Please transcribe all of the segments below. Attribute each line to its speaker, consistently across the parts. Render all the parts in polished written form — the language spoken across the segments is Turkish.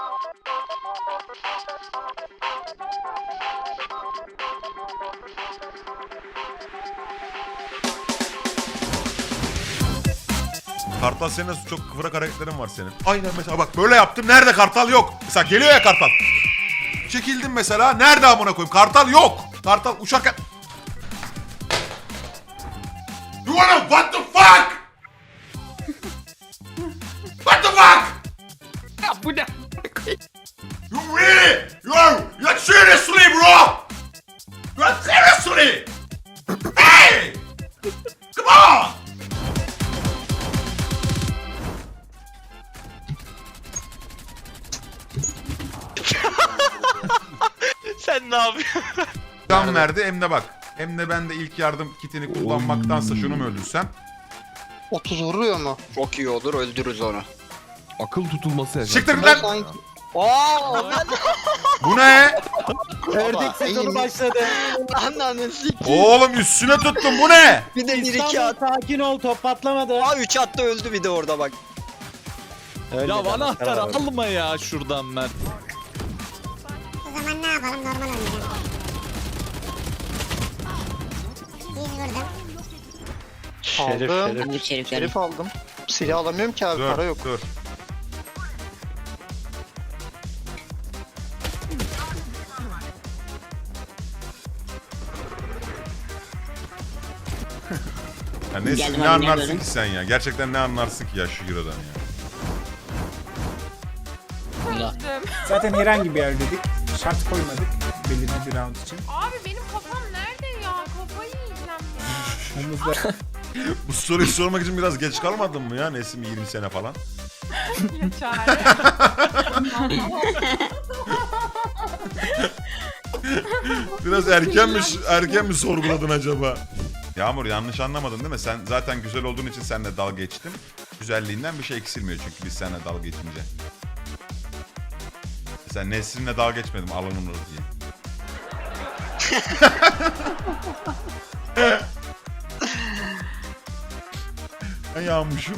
Speaker 1: Kartal senin çok kıvrak hareketlerin var senin. Aynen mesela bak böyle yaptım. Nerede kartal yok. Mesela geliyor ya kartal. Çekildim mesela. Nerede amına koyayım? Kartal yok. Kartal uçarken... You wanna what the fuck? What the fuck?
Speaker 2: Ya bu ne?
Speaker 1: You really? You're seriously bro? You're seriously? Hey! Come on!
Speaker 2: Sen ne yapıyorsun?
Speaker 1: Can verdi hem de bak. Hem de ben de ilk yardım kitini kullanmaktansa şunu mu öldürsem?
Speaker 3: 30 vuruyor mu?
Speaker 4: Çok iyi olur, öldürürüz onu.
Speaker 5: Akıl tutulması efendim.
Speaker 1: Siktir git
Speaker 3: Ben
Speaker 1: lan!
Speaker 3: sanki...
Speaker 1: Bu ne?
Speaker 3: Ördek sezonu başladı.
Speaker 4: Ananı sikeyim.
Speaker 1: Oğlum üstüne tuttum bu ne?
Speaker 4: Bir de 1-2 at.
Speaker 3: Sakin ol, top patlamadı.
Speaker 4: Aa 3 attı öldü bir de orada bak.
Speaker 5: Ya anahtarı alma ya şuradan Mert.
Speaker 6: O zaman ne yapalım? Normal oynayalım. 100 vurdum.
Speaker 3: Aldım.
Speaker 6: Bu
Speaker 3: Şerif aldım. Silah alamıyorum ki abi, para yok.
Speaker 1: Dur. Ya ne anlarsın ki sen ya? Gerçekten ne anlarsın ki ya şu Euro'dan ya?
Speaker 7: Zaten herhangi bir yer dedik. Şart koymadık belirli bir round için.
Speaker 8: Abi benim kafam nerede ya? Kafayı yiyeceğim ya.
Speaker 7: Omuzda
Speaker 1: Bu soruyu sormak için biraz geç kalmadın mı ya Nesim 20 sene falan?
Speaker 8: Ya çare.
Speaker 1: Biraz erken mi sorguladın acaba? Yağmur yanlış anlamadın değil mi? Sen zaten güzel olduğun için seninle dalga geçtim. Güzelliğinden bir şey eksilmiyor çünkü biz seninle dalga geçince. Mesela Nesrin'le dalga geçmedim alınır diye. Ben yağmışım.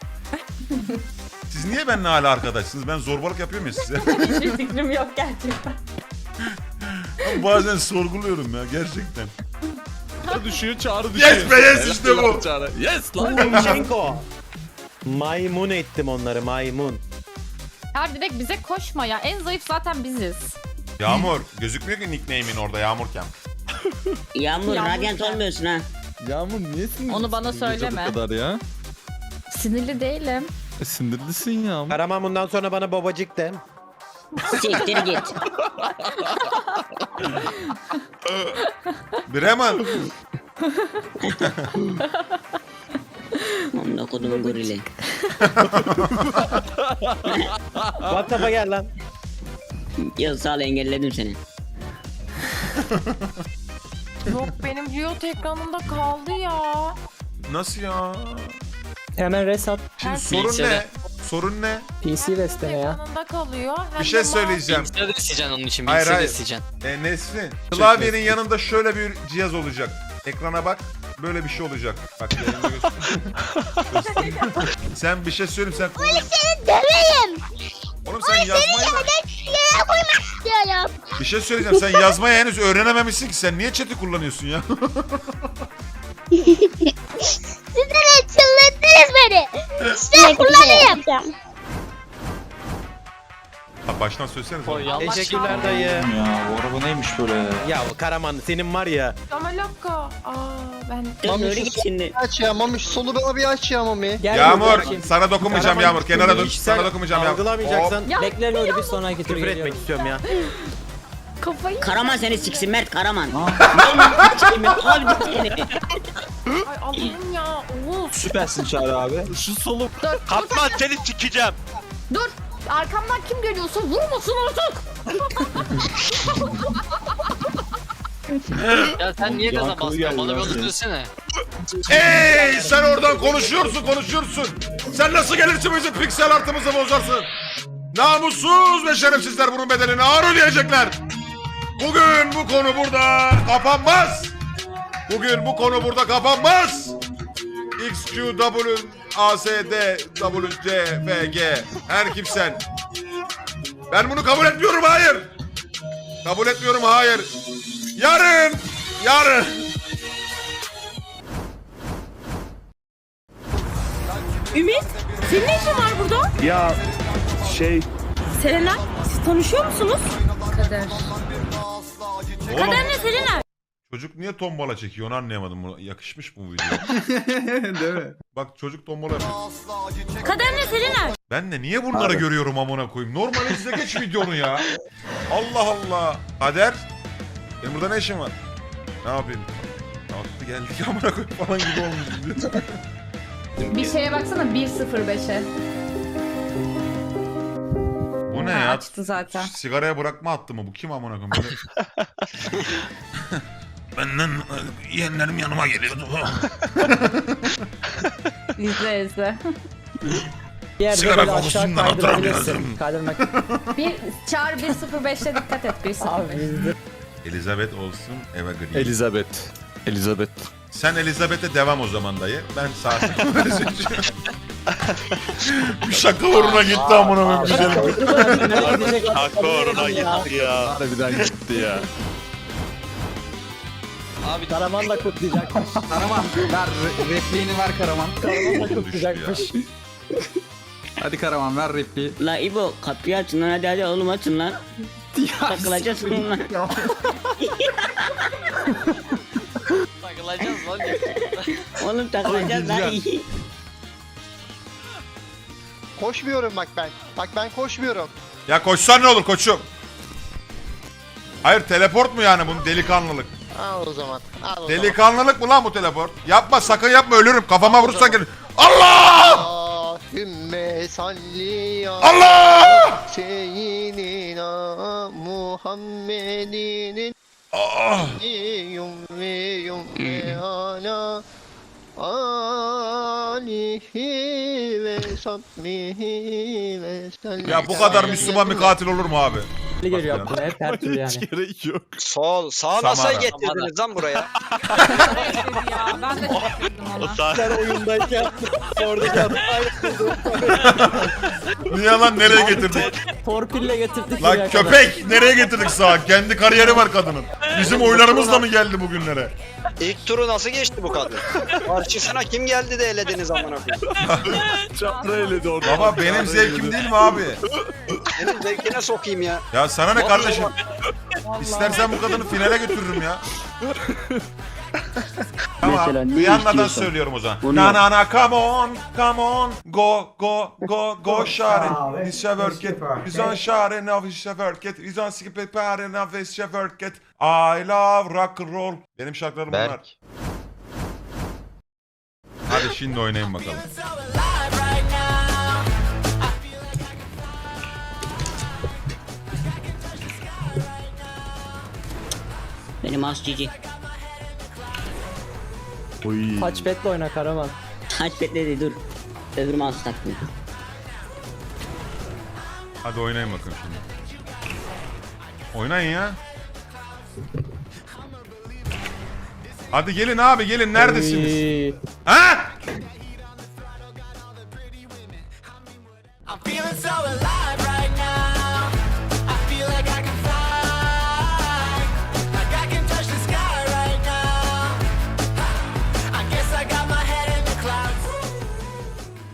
Speaker 1: Siz niye benimle hala arkadaşsınız? Ben zorbalık yapıyorum ya size.
Speaker 8: Hiçbir fikrim yok gerçekten.
Speaker 1: Ben bazen sorguluyorum ya gerçekten.
Speaker 5: Çağrı düşüyor, Çağrı düşüyor.
Speaker 1: Yes be yes işte bu.
Speaker 5: Çağrı. Yes lan.
Speaker 3: Şenko. Maymun ettim onları, maymun.
Speaker 8: Ya direkt bize koşma ya. En zayıf zaten biziz.
Speaker 1: Yağmur gözükmüyor ki nickname'in orada Yağmurken.
Speaker 6: Yağmur,
Speaker 8: Yağmur
Speaker 6: radyant
Speaker 8: sen.
Speaker 6: olmuyorsun ha.
Speaker 5: Yağmur niye sinirlisin?
Speaker 8: Onu bana
Speaker 5: bu gece
Speaker 8: söyleme.
Speaker 5: Bu kadar ya.
Speaker 8: Sinirli değilim.
Speaker 5: Sinirlisin Yağmur.
Speaker 3: Karaman bundan sonra bana babacık de.
Speaker 6: Siktir git.
Speaker 1: Bremen.
Speaker 6: Onunla kodumun gorili.
Speaker 3: WhatsApp'a gel lan.
Speaker 6: Ya sağ ol, engelledim seni.
Speaker 8: Yok benim Riot ekranında kaldı ya.
Speaker 1: Nasıl ya?
Speaker 7: hemen reset
Speaker 1: Şimdi sorun ne? Sorun ne?
Speaker 7: PC restene ya.
Speaker 8: Ekranında kalıyor. Hem
Speaker 1: Bir şey
Speaker 8: de
Speaker 1: söyleyeceğim.
Speaker 2: Bilgisayarı da isteyeceksin onun için.
Speaker 1: Hayır,
Speaker 2: Bilgisayarı da
Speaker 1: hayır.
Speaker 2: isteyeceksin.
Speaker 1: Nesrin. Klavyenin yanında şöyle bir cihaz olacak. Ekrana bak. Böyle bir şey olacak. Bak yayında göstereyim. Sen bir şey söyleyeyim sen. Oğlum seni döveyim. Oğlum sen yazmayı... Bir şey söyleyeceğim. Sen yazmayı henüz öğrenememişsin ki. Sen niye chat'i kullanıyorsun ya?
Speaker 6: Siz de çıldırdınız beni. Size kullanayım.
Speaker 1: Ha, baştan söylesenize.
Speaker 2: Oy, yanlış.
Speaker 3: Teşekkürler dayı.
Speaker 9: Ya bu araba neymiş böyle?
Speaker 3: Ya Karaman senin var ya.
Speaker 8: Damalaka. Ben...
Speaker 6: Dur nuri git şimdi.
Speaker 3: Aç ya Mami, şu solu bana bir aç ya Mami.
Speaker 1: Yağmur sana dokunmayacağım
Speaker 3: Karaman,
Speaker 1: Yağmur. Kenara dur.
Speaker 3: hiç
Speaker 1: Sana
Speaker 3: sen
Speaker 1: dokunmayacağım Yağmur.
Speaker 3: Algılamayacaksan
Speaker 8: Ya,
Speaker 7: Bekle Nuri, bir sonraki tur
Speaker 3: küfür etmek
Speaker 7: geliyorum.
Speaker 3: istiyorum ya.
Speaker 8: Kafayı...
Speaker 6: Karaman seni siksin Mert, Karaman. Neyim abi seni.
Speaker 8: Ay Allah'ım ya. Oğuz.
Speaker 9: Süpersin Çağrı abi.
Speaker 5: Şu solu.
Speaker 2: Katman seni sikeceğim.
Speaker 8: Dur. Arkamdan kim geliyorsa vurmasın artık.
Speaker 2: Ya sen niye gaza
Speaker 9: Yankılı
Speaker 2: bastın?
Speaker 9: geldi
Speaker 2: Bana bir
Speaker 9: lan
Speaker 2: onu
Speaker 9: senin.
Speaker 2: söylesene.
Speaker 1: Hey sen oradan konuşuyorsun. Sen nasıl gelirsin bizim piksel artımızı bozarsın? Namussuz ve şerefsizler bunun bedelini ağır ödeyecekler. Bugün bu konu burada kapanmaz. XQW ASD WCFG her kimsen Ben bunu kabul etmiyorum, hayır. Kabul etmiyorum, hayır. Yarın.
Speaker 8: Ümit, senin ne işin var burada?
Speaker 9: Ya
Speaker 8: Serenay, siz tanışıyor musunuz? Kader.
Speaker 1: Oğlum,
Speaker 8: Kader ne Serenay?
Speaker 1: çocuk niye tombala çekiyor onu anlayamadım. Buna yakışmış mı bu video?
Speaker 7: Değil mi?
Speaker 1: Bak çocuk tombala yapıyor.
Speaker 8: Kader ne Serenay?
Speaker 1: Ben de niye bunları görüyorum amına koyayım? Normal izle geç videonu ya. Allah Allah. Kader. Benim burada ne işim var? Ne yapayım? Nasıl geldik amına koyayım falan gibi olmuş.
Speaker 8: Bir şeye baksana 1.05'e.
Speaker 1: Bu ne ya?
Speaker 8: Açtı zaten.
Speaker 1: Sigaraya bırakma attı mı? Bu kim amına koyayım? Böyle... Benden yeğenlerim yanıma geliyordu.
Speaker 8: İzle.
Speaker 1: Sigara kokusundan hatırlamıyorum.
Speaker 8: Bir çağır 1.05'e dikkat et 1.05.
Speaker 1: Elizabeth olsun Eva Green.
Speaker 5: Elizabeth.
Speaker 1: Sen Elizabeth'e devam o zaman dayı. Ben sağ seçiyorum. Bir şaka uğruna gitti amına koyayım güzelim.
Speaker 2: Haklı oruna gitti ya.
Speaker 5: Harbiden gitti ya.
Speaker 2: Abi
Speaker 3: Karaman da kutlayacakmış.
Speaker 7: Karaman ver repliğini ver Karaman.
Speaker 3: Karaman da kutlayacakmış.
Speaker 7: Hadi Karaman ver repliği.
Speaker 6: La İbo kapıyı açın lan hadi oğlum açın lan. Takılacağız bununla.
Speaker 2: takılacağız lan.
Speaker 6: Oğlum takılacağız lan.
Speaker 3: Koşmuyorum bak ben. Bak ben koşmuyorum.
Speaker 1: Ya koşsan ne olur koçum? Hayır teleport mu yani bunun delikanlılık?
Speaker 3: Al o zaman. Al o zaman.
Speaker 1: Delikanlılık mı lan bu teleport? Yapma sakın yapma ölürüm kafama vurursan gelir. Allah!
Speaker 3: Allahümme salli ya
Speaker 1: Allah!
Speaker 3: seyyidina Muhammedinin
Speaker 1: Ah!
Speaker 3: yum ve ala alihi ve sahbihi ve sellem.
Speaker 1: Ya bu kadar Müslüman bir katil olur mu abi?
Speaker 3: geliyor aklıma hep her türlü yani.
Speaker 5: Gerek yok.
Speaker 4: Sol. Sağ
Speaker 1: Samara.
Speaker 4: nasıl getirdiniz lan buraya?
Speaker 8: ya ben de şaşırdım
Speaker 2: O
Speaker 8: ona.
Speaker 2: saat
Speaker 3: Sen oyundayken oradaki
Speaker 1: Niye lan nereye getirdik?
Speaker 3: torpille getirdik.
Speaker 1: Lan köpek nereye getirdik sağa? Kendi kariyeri var kadının. Bizim oylarımızla mı geldi bugünlere?
Speaker 4: İlk turu nasıl geçti bu kadın? Karşısına kim geldi de elediniz amına koyayım?
Speaker 5: Çapra eledi orada.
Speaker 1: Baba benim zevkim değil mi abi?
Speaker 4: Senin zevkine sokayım ya.
Speaker 1: Ya sana ne kardeşim? İstersen bu kadını finale götürürüm ya. Tamam,
Speaker 6: Mesela ne
Speaker 1: Rihanna'dan
Speaker 6: istiyorsan.
Speaker 1: söylüyorum o zaman.
Speaker 6: Bunu
Speaker 1: Na
Speaker 6: yap.
Speaker 1: na na come on, go share. It's a work it. Biz on share now it's a work it. Biz on skip it pare now it's a work it. I love rock and roll. Benim şarkılarım bunlar. Hadi şimdi oynayın bakalım.
Speaker 6: Benim az cici.
Speaker 3: Touchpad'le oyna Karaman.
Speaker 6: Touchpad'le de dur. Öbür mouse taktım.
Speaker 1: Hadi oynayın bakalım şimdi. Oynayın ya. Hadi gelin abi gelin neredesiniz? Ha?
Speaker 10: I'm feeling so alive.